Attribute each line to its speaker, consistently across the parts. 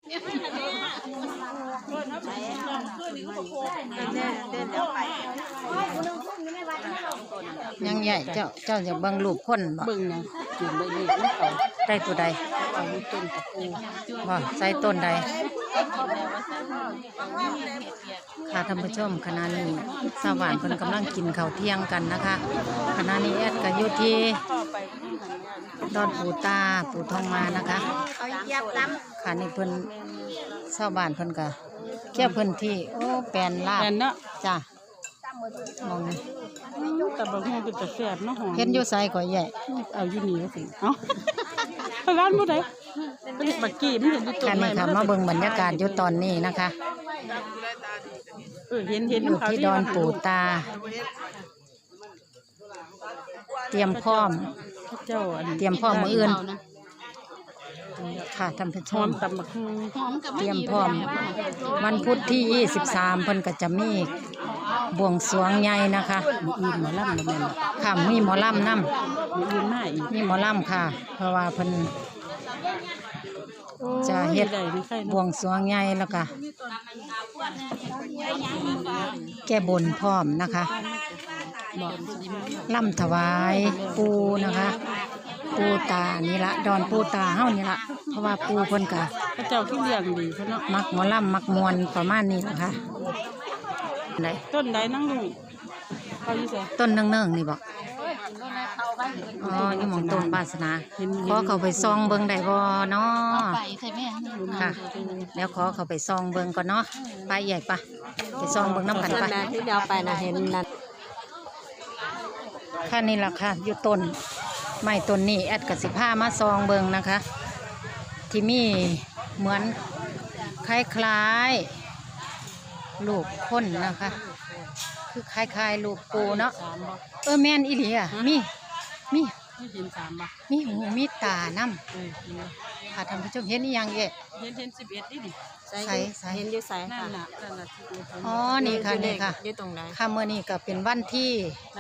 Speaker 1: ยังใหญ่เจ้าจะเบิ่งรูปคนบ่
Speaker 2: เบิ่งนะกินได้ดีเขา
Speaker 1: ได้ตัวใด
Speaker 2: เอาต้นตะปู
Speaker 1: บ่ใส่ต้นใดค่ะท่านผู้ชมขณะนี้สว่านเพิ่นกำลังกินข้าวเที่ยงกันนะคะขณะนี้แอดก็อยู่ที่ดอนปู่ตาปู่ทองมานะคะค่ะนี่เพิ่นชาวบ้านเพิ่นก็เกี่ยวพื้นที่โอ้แปลนลาบ
Speaker 2: เนาะ
Speaker 1: จ้ะมอง
Speaker 2: แต่บางทีเป็นแต่แสบเนาะหอม
Speaker 1: เห็นอยู่ไสก็ใหญ่
Speaker 2: เอาอยู่นี่สิเอ้าร้านบ่ได้เป็นบักกี้มันเห็นอยู่ต้นไม้
Speaker 1: ค่ะมาเบิ่งบรรยากาศอยู่ตอนนี้นะคะ
Speaker 2: เห็น
Speaker 1: อยู่ที่ดอนปู่ตาเตรียมพร้อมมื้ออื่นค่ะท่านผู้ชม
Speaker 2: ตำบักหุ่ง
Speaker 1: เตรียมพร้อมวันพุธที่23เพิ่นก็จะมีบวงสรวงใหญ่นะคะ
Speaker 2: มีหมอลำแม่น
Speaker 1: ค่ะมีหมอลำนำ
Speaker 2: มีอื่นมาอีก
Speaker 1: มีหมอลำค่ะเพราะว่าเพิ่นจะเฮ็ดบวงสรวงใหญ่แล้วก็แก้บนพร้อมนะคะล่ำถวายปูนะคะปูตานี่ละดอนปูตาเฮานี่ละเพราะว่าปูเพิ่นก็
Speaker 2: พระเจ้าที่เลี้ยงดีเพิ่นเนาะ
Speaker 1: มักหมอลำมักมวนประมาณนี้ล่ะค่ะ
Speaker 2: ต้นใดนั่งลุงเขาอยู่ไส
Speaker 1: ต้นเนื่องๆนี่บอกอ๋ออยู่หม่องต้นวาสนาขอเข้าไปซองเบิ่งได้บ่เนาะค่ะแล้วขอเข้าไปซองเบิ่งก่อนเนาะไปใหญ่ปะไปซองเบิ่งน้ำกันปะ
Speaker 2: ที่เดียวไปนะเห็นนั่น
Speaker 1: ค่ะนี่ล่ะค่ะอยู่ต้นไม้ต้นนี้แอดกสิผ้ามาซองเบิ่งนะคะที่มีเหมือนคล้ายๆลูกคนนะคะคือคล้ายๆลูกปูเนาะแม่นอีหลีอ่ะมี
Speaker 2: เห็น3บ่
Speaker 1: มีหูมีตาน้ำค่ะท่านผู้ชมเห็นอีหยังเอ๊ะ
Speaker 2: เห็น11ดิ
Speaker 1: ใส่
Speaker 2: เห็นอยู่ไสค่ะนั่นน่ะ
Speaker 1: อ๋อนี่ค่ะนี่ค่ะ
Speaker 2: อยู่ตรงไหน
Speaker 1: ค่ะมื้อนี้ก็เป็นวันที่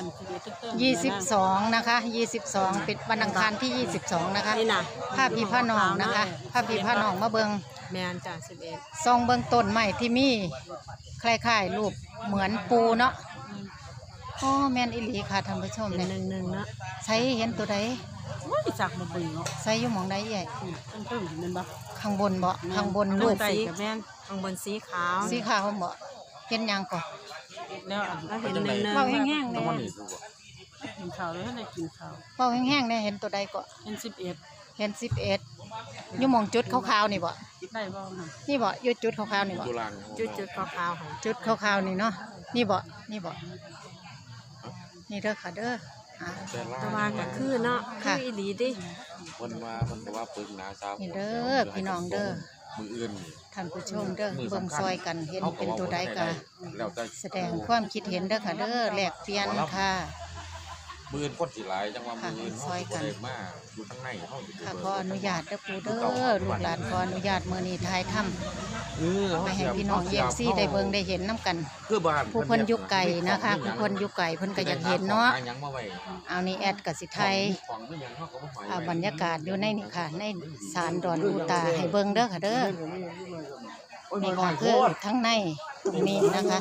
Speaker 1: 22นะคะ22เป็นวันอังคารที่22นะคะ
Speaker 2: นี่น่ะ
Speaker 1: พาพี่พาน้องนะคะพาพี่พาน้องมาเบิ่ง
Speaker 2: แม่นจ้ะ11
Speaker 1: ซองเบิ่งต้นไม้ที่มีคล้ายๆรูปเหมือนปูเนาะอ๋อแม่นอีหลีค่ะท่านผู้ชมเนี่ย
Speaker 2: 1เนาะ
Speaker 1: ใส่เห็นตัวใด
Speaker 2: โอ้ยจักบ่เบิ่งเนาะ
Speaker 1: ใส่อยู่หม่องใดใหญ่
Speaker 2: ตึ้งๆนั่นบ่
Speaker 1: ข้างบนบ่ข้างบนรูป
Speaker 2: สีแม่นข้างบนสีขาว
Speaker 1: บ่เห็นหยังก่อ
Speaker 2: แล้วเห็น1
Speaker 1: เว้าแห้งๆแน่
Speaker 2: กินข้าวแล้วได้กินข้าว
Speaker 1: เว้าแห้งๆแน่เห็นตัวใดก็
Speaker 2: เห็น11
Speaker 1: อยู่หม่องจุดขาวๆนี่บ่
Speaker 2: ได้บ่
Speaker 1: นี่บ่อยู่จุดขาวๆนี่บ่
Speaker 2: จุดขาวๆค่ะ
Speaker 1: จุดขาวๆนี่เนาะนี่บ่นี่เด้อค่ะเด้อ
Speaker 2: แต่ว่าก็คือเนาะคืออีหลีดิ
Speaker 3: มันก็ว่าปึงนาซา
Speaker 1: นี่เด้อพี่น้องเด้อ
Speaker 3: มืออื่น
Speaker 1: ท่านผู้ชมเด้อเบิ่งซอยกันเห็นเป็นตัวใดก็แสดงความคิดเห็นเด้อค่ะเด้อแลกเปลี่ยนค่ะ
Speaker 3: มืออื่นคนสิหลายจังว่ามืออื่นซอยกันมาอยู่ข้างในเฮาอยู่
Speaker 1: ค่ะขออนุญาตเด้อปู่เด้อลูกหลานขออนุญาตมื้อนี้ถ่ายทำไปให้พี่น้องFCได้เบิ่งได้เห็นนำกันผู้เพิ่นอยู่ไกลนะคะผู้เพิ่นอยู่ไกลเพิ่นก็อยากเห็นเนาะเอานี่แอดก็สิไทยบรรยากาศอยู่ในนี่ค่ะในศาลดอนปู่ตาให้เบิ่งเด้อค่ะเด้อนี่ค่ะคือทั้งในตรงนี้นะคะ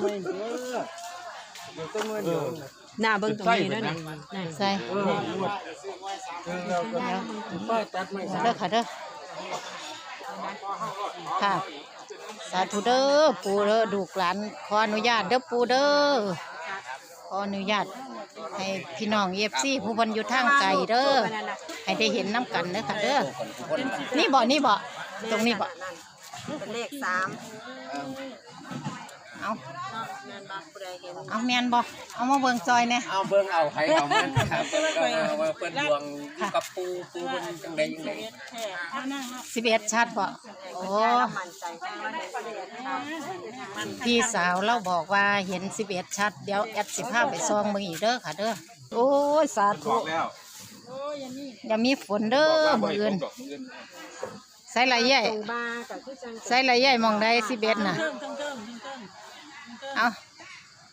Speaker 2: หน้าเบิ่งตรงนี้ด้วยนะ
Speaker 1: ใส่เด้อค่ะเด้อค่ะสาธุเด้อปู่เด้อดูกหลานขออนุญาตเด้อปู่เด้อขออนุญาตให้พี่น้องFCผู้เพิ่นอยู่ทางไกลเด้อให้ได้เห็นน้ำกันเด้อค่ะเด้อนี่บ่ตรงนี้บ่
Speaker 2: เป็นเลข3
Speaker 1: เอาแมนบ่เอามาเบิ่งจอยเนี่ย
Speaker 3: เอาเบิ่งเอาใครเอามันครับก็เปิดดวงกับปูเพิ่นจังได๋
Speaker 1: 11ชัดบ่โอ้พี่สาวเราบอกว่าเห็น11ชัดเดี๋ยวแอด15ไปซองมึงอีกเด้อค่ะเด้อโอ้ยสาธุอย่ามีฝนเด้อมื้ออื่นใส่ไหลใหญ่ใส่ไหลใหญ่มองได้11น่ะเอา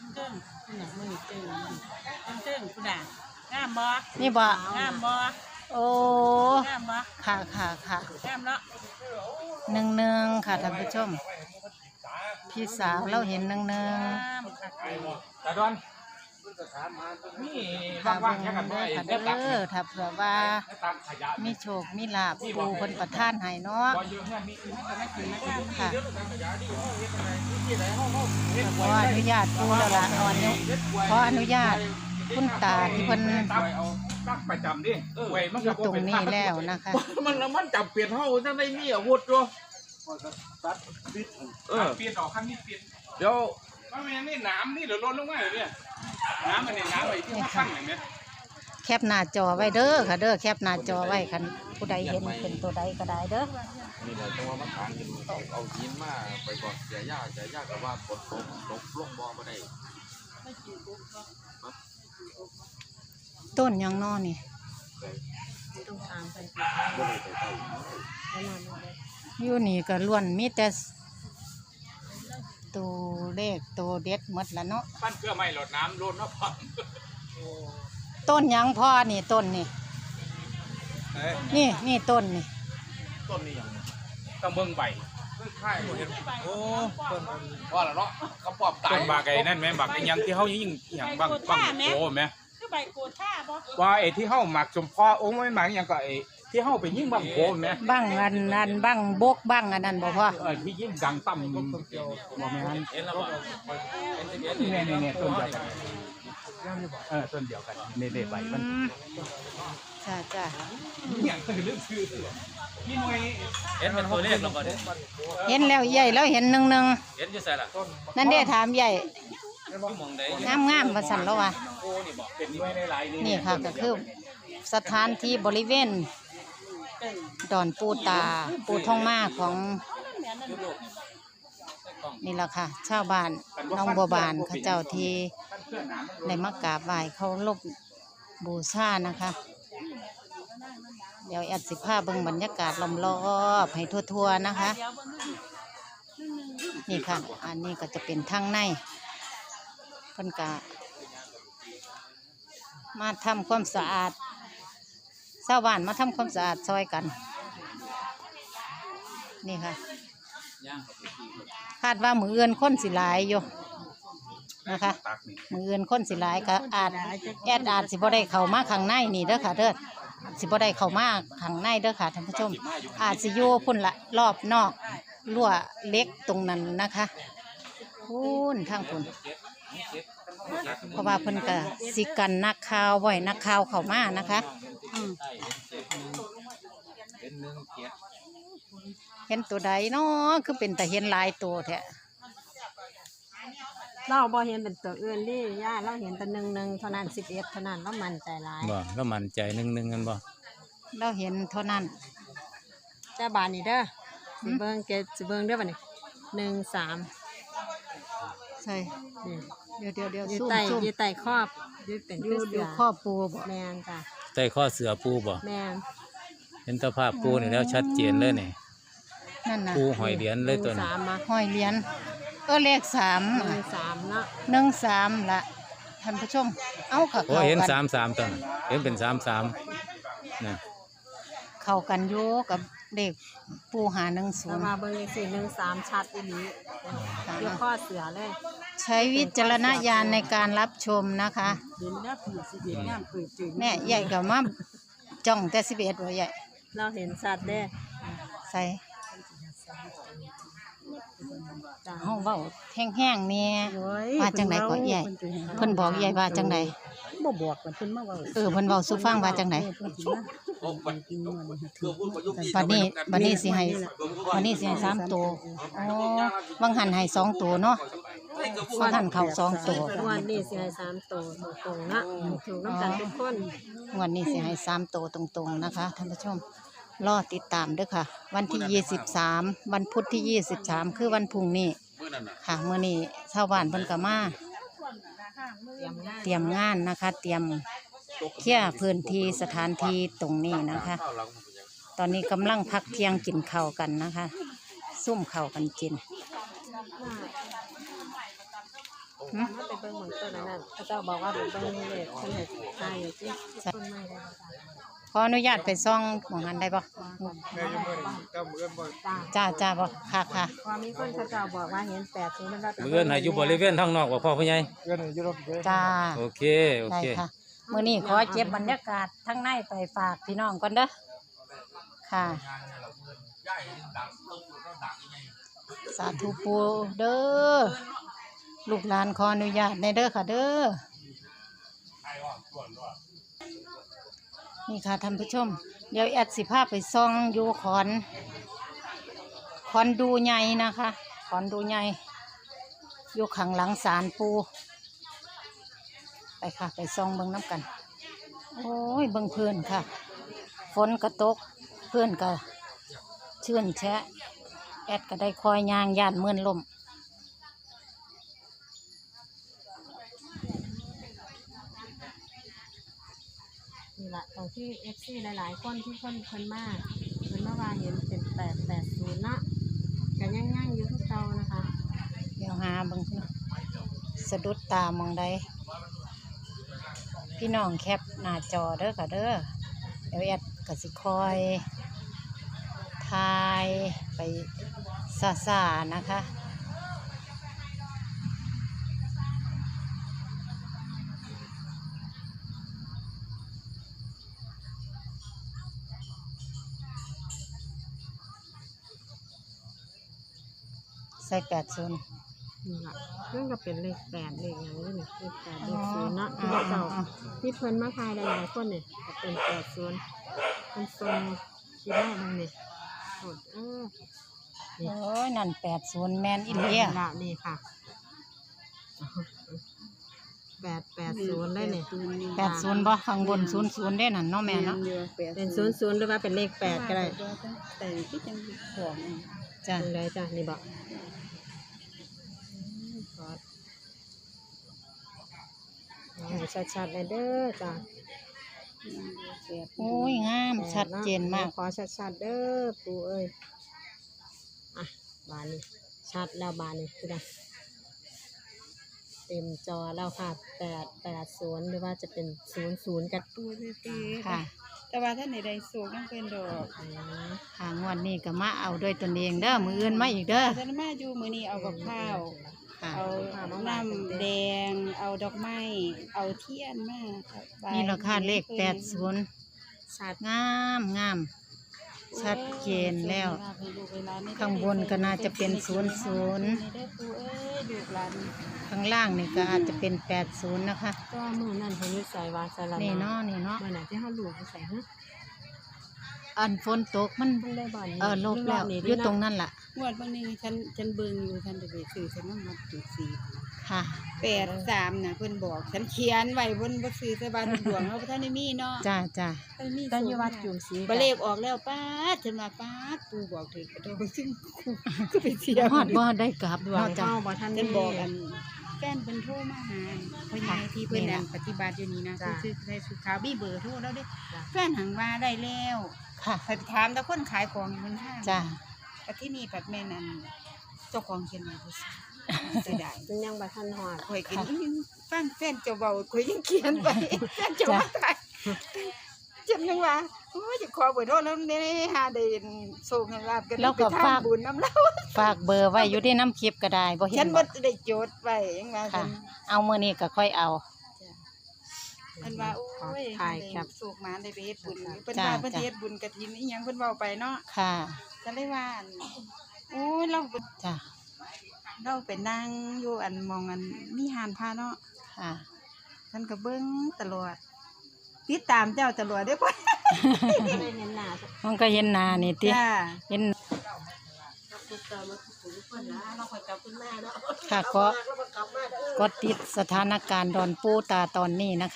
Speaker 2: นี่บ่
Speaker 1: โอ้โอ้
Speaker 2: แก้มบ่
Speaker 1: ค่ะ
Speaker 2: แก้มเนาะ
Speaker 1: หนึ่งค่ะท่านผู้ชมพี่สาวเราเห็นหนึ่ง
Speaker 2: แก้มค่ะ
Speaker 3: ตาดอนนี่
Speaker 1: ค่ะ
Speaker 3: ว่าง
Speaker 1: เบิ่ง
Speaker 3: ๆแค่กัน
Speaker 1: เด้อค่ะ
Speaker 3: ได้
Speaker 1: เด้อถ้าเผื่อว่า
Speaker 3: ตักขยะ
Speaker 1: มีโชคมีลาภปูเพิ่นประทานให้เนาะ
Speaker 3: บ่เยอะแค่นี้
Speaker 1: ค่ะขออนุญาตปูแล้วล่ะขออนุญาตคุณตาที่เพิ่น
Speaker 3: เอาตักประจำดิเว้ยมัน
Speaker 1: อยู่ตรงนี้แล้วนะคะ
Speaker 3: มันจับเปลี่ยนเฮาจังได้มีอาวุธอยู่เปลี่ยนออกข้างนี้เปลี่ยนเดี๋ยวว่าแม่นี่น้ำนี่เดี๋ยวลดลงมาเลยเนี่ยน้ำมันนี่น้ำไอ้ที่ข้างอย่างเนี้ย
Speaker 1: แคปหน้าจอไว้เด้อค่ะเด้อแคปหน้าจอไว้คันผู้ใดเห็นเป็นตัวใดก็ได้เด้อ
Speaker 4: นี่แหละจังว่ามันทางกันเอาหินมาไปก่อนเสียยากกับว่าฝนตกลงบ่มาได้
Speaker 1: ต้นหยังนอนี่
Speaker 2: ต้องถามไป
Speaker 4: บ่ได้ไปใต้
Speaker 1: อยู่นี่ก็ล้วนมีแต่ตัวเลขตัวเด็ดหมดละเนาะ
Speaker 3: ปั้นเกลือไม่หลดน้ำลดน้ำพัง
Speaker 1: ต้นหยังพ่อนี่ต้นนี่นี่ต้นนี่
Speaker 3: ต้นนี้อย่างต้องเบิ่งใบค่ายเห็นโอ้ต้นว่าละเนาะเขาปอบตายต้นบากไอ้นั่นแม่บากไอ้ยังที่เฮายิงอย่างบางโอ้แม่
Speaker 2: คือใบโกท่าบ่
Speaker 3: ว่าไอ้ที่เฮาหมักสมพอโอ้ไม่หมักอย่างก็ไอ้ที่เฮาไปยิงบางโอ้แม่
Speaker 1: บ้างอันนั้นบ้างบกบ้างอันนั้นบ่พ่อ
Speaker 3: ที่ยิงดังต่ำบ่แม่นเห็นแล้วบ่เนี่ยต้นเดียวกันต้นเดียวกันในใบมัน
Speaker 1: จ้า
Speaker 3: อย่างคือเรื่องชื่อพี่หน่วยเห็นมันตัวเลขแล้วบ่เด้
Speaker 1: เห็นแล้วใหญ่แล้วเห็นหนึ่ง
Speaker 3: เห็นอยู่ไสล่ะ
Speaker 1: นั่นเด้ถามใหญ่
Speaker 3: อยู่หม่องใด
Speaker 1: งามว่าสั่นแล้วว่ะ
Speaker 3: โอ้นี่บ่เป็นหน่วยในหลาย
Speaker 1: นี่ค่ะก็คือสถานที่บริเวณดอนปูตาปูทองมาของนี่แหละค่ะชาวบ้านน้องบัวบานเขาเจ้าที่ได้มากราบไหว้เขาลบบูชานะคะ เดี๋ยวแอดสิผ้าเบิ่งบรรยากาศล้อมรอบให้ทั่วๆนะคะ นี่ค่ะ อันนี้ก็จะเป็นทางในเพิ่นกะมาทำความสะอาดชาวบ้านมาทำความสะอาดซอยกัน นี่ค่ะ คาดว่ามือเอื่นคนสิหลายอยู่นะคะ มือเอื่นคนสิหลายก็อาจสิบ่ได้เข้ามาข้างในนี่เด้อค่ะเด้อสิบ่ได้เข้ามาข้างในเด้อค่ะท่านผู้ชม อาจสิอยู่พุ่นละรอบนอกรั้วเล็กตรงนั้นนะคะพุ่นทางพุ่นเพราะว่าเพิ่นก็สิกันนักข่าวไว้นักข่าวเข้ามานะคะเห็นตัวใดเนาะคือเป็นแต่เห็นหลายตัวแท้
Speaker 5: เราบ่เห็นเป็นตัวอื่นดิย่าเราเห็นแต่1 เท่านั้น11เท่านั้นเรามั่นใจหลาย
Speaker 6: บ่แล้วมั่นใจหนึ่งกันบ่
Speaker 1: เราเห็นเท่านั้น
Speaker 5: แต่บานนี่เด้อสิเบิ่งเกสิเบิ่งเด้อบัดนี้13
Speaker 1: ใช่
Speaker 5: นี่
Speaker 1: เดี๋ยว
Speaker 5: อยู่
Speaker 1: ซุ่ม
Speaker 5: ใต้
Speaker 1: ซุ่ม
Speaker 5: อยู่ใต้ครอบอยู่เป็น
Speaker 1: อยู่
Speaker 5: เสือ
Speaker 1: ข้อปูบ่
Speaker 5: แม่นจ้ะ
Speaker 6: ใต้ข้อเสือปูบ่
Speaker 5: แม่น
Speaker 6: เห็นตะภาพปูนี่แล้วชัดเจนเลยนี่
Speaker 1: นั่นน่ะ
Speaker 6: ปูหอยเหรียญเลยตัวนี้
Speaker 5: 13มา
Speaker 1: ห้อยเหรียญเลข3
Speaker 5: 13เนาะ
Speaker 1: 13ละท่านผู้ชมเอาค่ะ
Speaker 6: โอ้
Speaker 1: เข้า
Speaker 6: เห็น
Speaker 1: กัน
Speaker 6: 33ตัวน่ะเห็นเป็น33นะ
Speaker 1: เข้ากันอยู่กับเด็กปูหา
Speaker 5: แต่ว่า
Speaker 1: 10
Speaker 5: เบิ่งจังซี่13ชัดอีหลีอยู่ข้อเสือเลย
Speaker 1: ใช้วิจารณญาณในการรับชมนะคะ
Speaker 5: เห็นแล้วผีสิเห็นงามเปิดจืด
Speaker 1: แม่ใหญ่ก็มาจ้องแต่11บ่ใหญ่
Speaker 5: เราเห็นชัดเด้
Speaker 1: ใส่
Speaker 5: จ้ะ
Speaker 1: เฮาเว้าแห้งๆเนี่ยว่าจังไดก็ใหญ่เพิ่นบอกใหญ่ว่าจังได
Speaker 5: บ่บอกเพิ่นมาเว้า
Speaker 1: เพิ่นเว้าสู่ฟังว่าจังได
Speaker 4: โอ้มันเกือบพูดประโยคนี้
Speaker 1: บัดนี้สิให้3ตัวอ๋อบางหันให้2ตัวเนาะบางหันเข้า2ตัว
Speaker 5: วันนี้สิให้3ตัวตรงๆนะถูกน้ำกันทุกคน
Speaker 1: งวดนี้สิให้3ตัวตรงๆนะคะท่านผู้ชมรอติดตามเด้อค่ะ วันที่23วันพุธที่23คือวันพรุ่งนี้
Speaker 4: มื้อนั้นน่ะ
Speaker 1: ค่ะมื้อนี้ชาวบ้านเพิ่นก็มาเตรียมงานนะคะ เตรียมเคลียร์พื้นที่สถานที่ตรงนี้นะคะ
Speaker 4: ข้าวหลังมันเป็นหยัง
Speaker 1: ตอนนี้กำลังพักเที่ยงกินข้าวกันนะคะ ซุ่มข้าวกันกิน
Speaker 5: มาไปเบิ่งหมองต้นนั้นเขาเจ้าบอกว่าไปเบิ่งเลขเพิ่นเฮ็ดใช่ที่ต้นไม้ได้บ่จ้ะ
Speaker 1: ขออนุญาตไปซ่องหมองนั้นได้บ่
Speaker 5: จ้า
Speaker 1: จ้าบ่ค่ะ
Speaker 5: พอมีคนเขาเจ้าบอกว่าเห็น80มันว่าเป็น
Speaker 6: มื้ออื่นให้อยู่บริเวณทางนอกบ่พ่อผู้ใหญ่
Speaker 1: จ้า
Speaker 6: โอเคโอ
Speaker 1: ได้
Speaker 6: เค
Speaker 1: ค่ะมื้อนี้ขอเก็บบรรยากาศทั้งในไปฝากพี่น้องก่อนเด้อค่ะสาธุปูเด้อลูกหลานขออนุญาตในเด้อค่ะเด้อนี่ค่ะท่านผู้ชมเดี๋ยวแอดสิพาไปซ่องอยู่ขอนดูใหญ่นะคะขอนดูใหญ่อยู่ข้างหลังศาลปูไปค่ะไปซ่องเบิ่งน้ำกันโอ้ยเบิ่งเพื่อนค่ะฝนก็ตกเพื่อนก็ชื่นแชะแอดก็ได้คอยยางย่านเมื่อนลม
Speaker 5: นี่แหละตรงที่ FC หลายๆคนที่เพิ่นมาว่าเห็นเป็น880เนาะก็ยังอยู่ทุกเตานะคะ
Speaker 1: เดี๋ยวหาเบิ่งเนาะสะดุดตามองใดพี่น้องแคปหน้าจอเด้อค่ะเด้อเดี๋ยวแอดก็สิคอยทายไปซาๆนะคะใส่80
Speaker 5: นี่ล่ะเรื่องก็เป็นเลข8เลขอย่างนี้นี่เลข8เลข0เนาะที่เจ้าที่เพิ่นมาทายหลายๆคนนี่ก็เป็น80เป็นทรงคิดได้บ้างนี่โหด
Speaker 1: โอ้ยนั่น80แมนอินเดีย
Speaker 5: ละนี่ค่ะ880ได้นี่
Speaker 1: 80บ่ข้างบน00ได้นั่นเนาะแม่เนาะ
Speaker 5: เป็น00หรือว่าเป็นเลข8ก็ได้
Speaker 2: แต่ที่จังของ
Speaker 1: จ้ะ
Speaker 5: เป็นไรจ้ะนี่บอกชัดๆเลยเด้อจ้ะ
Speaker 1: โอ้ยงามชัดเจนมาก
Speaker 5: ขอชัดๆเด้อปู่เอ้ยอ่ะบานนี้ชัดแล้วบานนี้คือไงเต็มจอแล้วค่ะ880หรือว่าจะเป็น00กับ
Speaker 2: ตัวเต้
Speaker 1: ค่ะ
Speaker 2: แต่ว่าท่านใดๆโศกยังเป็นดอก
Speaker 1: ค่ะงวดนี้ก็มาเอาด้วยตนเองเด้อมืออื่นมาอีกเด้อ
Speaker 2: ท่านมาอยู่มื้อนี้เอากับข้าว
Speaker 1: ค่ะ
Speaker 2: เอาน้ำแดง เอาดอกไม้ เอาเทียนมาครับ
Speaker 1: นี่ราคาเลข80
Speaker 5: ชัด
Speaker 1: งามชัดเจนแล้ว
Speaker 2: ให้ลูกให้หลนได้
Speaker 1: ข้างบนก็น่าจะเป็น00
Speaker 2: ให้ได้ปู่เอ้ยลูกหลาน
Speaker 1: ข้างล่างนี่ก็อาจจะเป็น80นะคะ
Speaker 5: ก็มือนั่นเขาอยู่ใส่วาสลา
Speaker 1: นี่เนาะนี่เนาะ
Speaker 5: เมื่อไหร่ที่เขาหลูกใส่ฮะ
Speaker 1: อันฝนตกมัน
Speaker 5: มันได้บ่อน
Speaker 1: ลบแล้วอยู่ตรงนั้นล่ะ
Speaker 2: งวดบางนี้ฉันเบิ่งอยู่ท่านจะไปซื้อฉันน้ำมันจุด4
Speaker 1: ค่ะ
Speaker 2: 83น่ะเพิ่นบอกฉันเขียนไว้บนบ่ซื้อใส่บ้านหลวงเอาท่านได้มีเนาะ
Speaker 1: จ้า
Speaker 2: ท่านมี
Speaker 5: ตอนอยู่วัดจุ่มสี
Speaker 2: บ่เลขออกแล้วป้าดฉันว่าป้าดปู่บอกถึงกระโดดซึ่งก็ไปเสีย
Speaker 1: ฮอดบ่ได้กลับ
Speaker 5: ดวง
Speaker 1: เนาะจ้า
Speaker 5: เข้าบ่ทัน
Speaker 2: ฉันบอกอันแฟนเพิ่นโทรมาหาพ่อใหญ่ที่เพิ่น
Speaker 1: นี่
Speaker 2: นั่
Speaker 1: ล่ะ
Speaker 2: นปฏิบัติอยู่นี่นะ
Speaker 5: จ้ะ
Speaker 2: คือใส่สุขาวมีเบอร์โทรแล้วเด้แฟนหังว่าได้แล้ว
Speaker 1: ค่ะ
Speaker 2: ไปถามแต่คนขายของอยู่บนห้าง
Speaker 1: จ้า
Speaker 2: แต่ที่นี่ปัดแม่นั่นเจ้าของเขียนมาบ่ซื้อเสียดาย
Speaker 5: ซึ่งยังบ่ทันหอด
Speaker 2: ข่อยกินฟังแฟนเจ้าเบาข่อยยังเขียนไว้แฟนเจ้ามาขายฉันยังว่าโอ้ยจะขอเบอร์โทรแล้วเนี่ยหาได้โชคให้ลาบกัน
Speaker 1: แล้วก็
Speaker 2: ไปทำ
Speaker 1: ฝาก
Speaker 2: บุญน้ำเล่า
Speaker 1: ฝากเบอร์ไว้อยู่ที่น้ำคลิปก็ได้บ่เห็
Speaker 2: ฉั
Speaker 1: น
Speaker 2: น
Speaker 1: บ่
Speaker 2: บ่ได้จดไว้ยังว่าฉั
Speaker 1: ค่ะ
Speaker 2: น
Speaker 1: เอามื้อนี้ก็ค่อยเอา
Speaker 2: มันว่าโอ้ย
Speaker 5: ถ่ายครับ
Speaker 2: สุกมาได้ไปเฮ็ดบุญเพิ่น
Speaker 1: จ้ะ
Speaker 2: ว่าเพิ่นสิเฮ็ดบุญกฐินอีหยังเพิ่นเว้าไปเนาะ
Speaker 1: ค่ะ
Speaker 2: ก็เลยว่าอันโอ้ยเรา
Speaker 1: จ้า
Speaker 2: ไปนั่งอยู่อันมองอันมีหานพาเนาะ
Speaker 1: ค่ะ
Speaker 2: ฉันก็เบิ่งตลอดติดตามเจ้าตลอดเด้อพ่อ
Speaker 5: ได้เห็นหน้า
Speaker 1: มันก็เห็นหน้านี่ติ
Speaker 2: จ้า
Speaker 1: เห็นค่ะก็ติดสถานการณ์ดอนปูตาตอนนี้นะคะ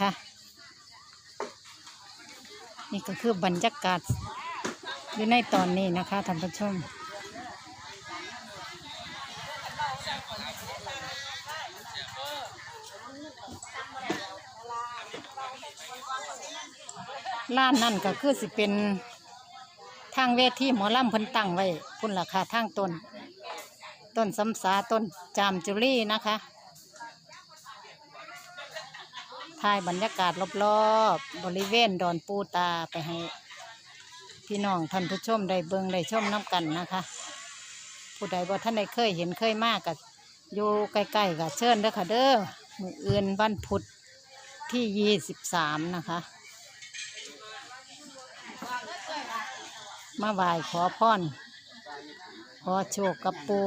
Speaker 1: นี่ก็คือบรรยากาศอยู่ในตอนนี้นะคะท่านผู้ชมร้านนั่นก็คือสิเป็นทางเวทีหมอลำเพิ่นตั้งไว้พุ่นราคาทางต้นสำสาต้นจามจุลีนะคะถ่ายบรรยากาศรอบๆบริเวณดอนปูตาไปให้พี่น้องท่านผู้ชมได้เบิ่งได้ชมน้ำกันนะคะผู้ใดบ่ท่านใดเคยเห็นเคยมากกับอยู่ใกล้ๆกับเชิญเด้อค่ะเด้อมื้ออื่นวันพุธที่23นะคะมาไหว้ขอพรขอโชคกับปู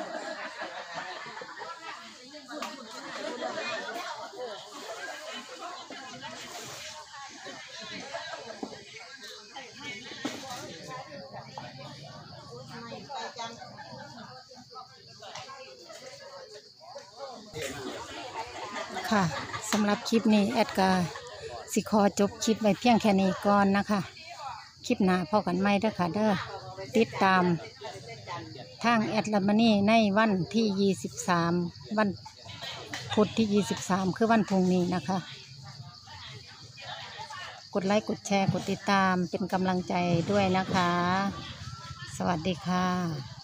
Speaker 1: ค่ะสำหรับคลิปนี้แอดกาสิขอจบคลิปไว้เพียงแค่นี้ก่อนนะคะคลิปหน้าพอกันไหมเด้อค่ะเด้อติดตามทางแอดลามานี่ในวันที่23วันพุธที่23คือวันพรุ่งนี้นะคะกดไลค์กดแชร์กดติดตามเป็นกำลังใจด้วยนะคะสวัสดีค่ะ